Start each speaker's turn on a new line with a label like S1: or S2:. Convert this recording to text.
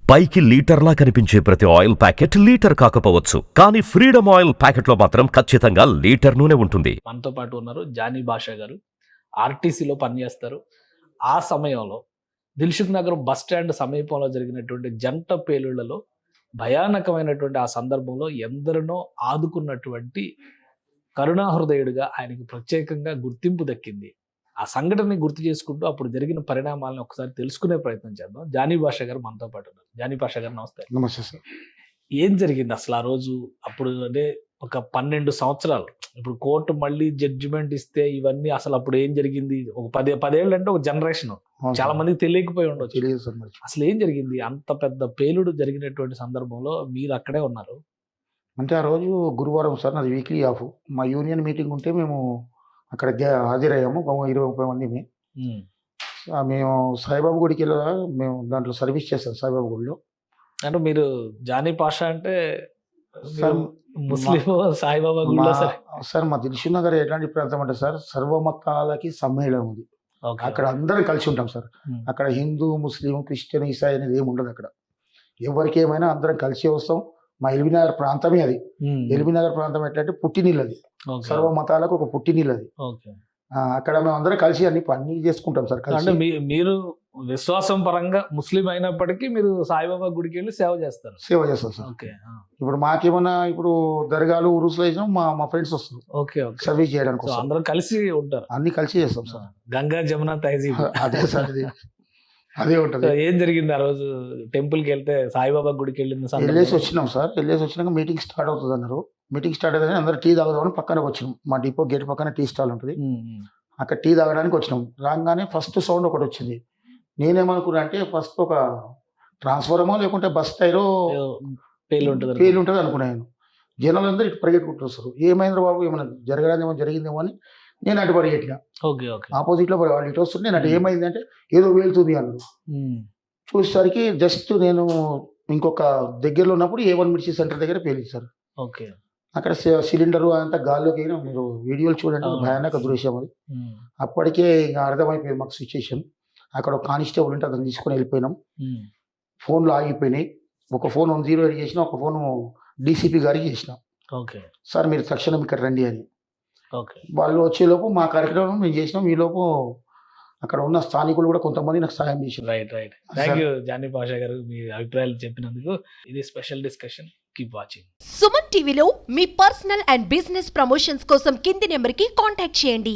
S1: పైకి లీటర్లా కనిపించే ప్రతి ఆయిల్ ప్యాకెట్ లీటర్ కాకపోవచ్చు, కానీ ఫ్రీడమ్ ఆయిల్ ప్యాకెట్లో మాత్రం ఖచ్చితంగా లీటర్ నూనె ఉంటుంది.
S2: మనతో పాటు ఉన్నారు జానీ భాషా గారు. ఆర్టీసీలో పనిచేస్తారు. ఆ సమయంలో దిల్సుఖ్ నగర్ బస్ స్టాండ్ సమీపంలో జరిగినటువంటి జంట పేలుళ్లలో భయానకమైనటువంటి ఆ సందర్భంలో ఎందరినో ఆదుకున్నటువంటి కరుణాహృదయుడిగా ఆయనకు ప్రత్యేకంగా గుర్తింపు దక్కింది. ఆ సంఘటనని గుర్తు చేసుకుంటూ అప్పుడు జరిగిన పరిణామాలను ఒకసారి తెలుసుకునే ప్రయత్నం చేద్దాం. జానీ భాషా గారు మనతో పాటు ఉన్నారు. జానీ భాషా గారు నమస్తే.
S3: నమస్తే సార్.
S2: ఏం జరిగింది అసలు ఆ రోజు? అప్పుడు అంటే ఒక 12 సంవత్సరాలు, ఇప్పుడు కోర్టు మళ్ళీ జడ్జిమెంట్ ఇస్తే ఇవన్నీ అసలు అప్పుడు ఏం జరిగింది? ఒక 10 ఏళ్ళు అంటే ఒక జనరేషన్. చాలా మందికి తెలియకపోయి ఉండొచ్చు.
S3: తెలియదు సార్ మరి.
S2: అసలు ఏం జరిగింది? అంత పెద్ద పేలుడు జరిగినటువంటి సందర్భంలో మీరు అక్కడే ఉన్నారు.
S3: అంటే ఆ రోజు గురువారం సార్, నాది వీక్లీ ఆఫ్. మా యూనియన్ మీటింగ్ ఉంటే మేము అక్కడ హాజరయ్యాము. 20-30 మందిమి. మేము సాయిబాబా గుడికి వెళ్ళగా మేము దాంట్లో సర్వీస్ చేస్తాం సాయిబాబా గుడిలో.
S2: అంటే మీరు జానీ పాషా అంటే
S3: సార్
S2: ముస్లిం సాయిబాబా గుడిలో
S3: సార్ మా దిల్సుఖ్ నగర్ ఎలాంటి ప్రాంతం అంటే సార్, సర్వమతాలకి సమ్మేళనం ఉంది. అక్కడ అందరం కలిసి ఉంటాం సార్. అక్కడ హిందూ, ముస్లిం, క్రిస్టియన్, ఈసాయి అనేది ఏమి ఉండదు. అక్కడ ఎవరికి ఏమైనా అందరం కలిసి వస్తాం. మా ఎల్బీనగర్ ప్రాంతమే అది. ఎల్బీనగర్ ప్రాంతం ఎట్లంటే పుట్టినీళ్ళు అది. సర్వ మతాలకు ఒక పుట్టినీళ్ళు అది. అక్కడ మేము అందరం కలిసి అన్ని చేసుకుంటాం సార్.
S2: అంటే మీరు విశ్వాసం పరంగా ముస్లిం అయినప్పటికీ మీరు సాయిబాబా గుడికి వెళ్ళి సేవ చేస్తారు.
S3: సేవ చేస్తాం సార్. ఇప్పుడు మాకేమన్నా ఇప్పుడు దర్గాలు, ఉరుసులు వేసినా మా ఫ్రెండ్స్ వస్తారు సర్వీస్ చేయడానికి.
S2: అందరం కలిసి ఉంటారు.
S3: అన్ని కలిసి చేస్తాం సార్.
S2: గంగా, జమున, తహజీబ్
S3: అదే సార్. అదే ఉంటుంది.
S2: ఏం జరిగింది ఆ రోజు? టెంపుల్ కి వెళ్తే సాయిబాబా గుడికి
S3: వెళ్ళేసి వచ్చినాం సార్. వెళ్ళేసి వచ్చినాక మీటింగ్ స్టార్ట్ అవుతుంది అన్నారు. మీటింగ్ స్టార్ట్ అయితే అందరూ టీ తాగుదామని పక్కన వచ్చినాం. మా డిపో గేట్ పక్కన టీ స్టాల్ ఉంటుంది. అక్కడ టీ తాగడానికి వచ్చినాం. రాగానే ఫస్ట్ సౌండ్ ఒకటి వచ్చింది. నేనేమనుకున్నా అంటే ఫస్ట్ ఒక ట్రాన్స్ఫార్మో లేకుంటే బస్ టైరో పేలు ఉంటుంది అనుకున్నాను. జనాలు అందరూ ఇటు పరిగెట్టుకుంటూ వస్తారు. ఏమైంది బాబు, ఏమైనా జరగడానికి ఏమైనా జరిగిందేమో అని నేను అటు పరిగెట్టినా. ఆపోజిట్ లో వాళ్ళు ఇటు వస్తుంటే నేను అటు ఏమైంది అంటే ఏదో వేలుతుంది అన్నారు. చూసేసరికి జస్ట్ నేను ఇంకొక దగ్గరలో ఉన్నప్పుడు A1 మిర్చి సెంటర్ దగ్గర పేలించారు. అక్కడ సిలిండరు అంతా గాల్లోకి అయినా మీరు వీడియోలు చూడండి, భయానక దృశ్యం అది. అప్పటికే ఇంకా అర్థమైపోయింది మాకు సిచ్యుయేషన్. అక్కడ ఒక కానిస్టేబుల్ ఉంటే అతను తీసుకొని వెళ్ళిపోయినాం. ఫోన్లు ఆగిపోయినాయి. ఒక ఫోన్ 08 చేసిన, ఒక ఫోన్ డీసీపీ గారికి చేసిన. సార్ మీరు తక్షణం ఇక్కడ రండి అని. వాళ్ళు వచ్చేలోపు మా కార్యక్రమం మేము చేసినాం. ఈలోపు అక్కడ ఉన్న స్థానికులు కూడా కొంతమంది నాకు సాయం చేశారు.
S2: రైట్. థ్యాంక్ యూ జానీ భాషా గారు, మీ అభిప్రాయాలు చెప్పినందుకు. ఇది special discussion. Keep watching.
S4: Suman టీవీలో మీ పర్సనల్ అండ్ బిజినెస్ ప్రమోషన్స్ కోసం కింది నెంబర్కి కాంటాక్ట్ చేయండి.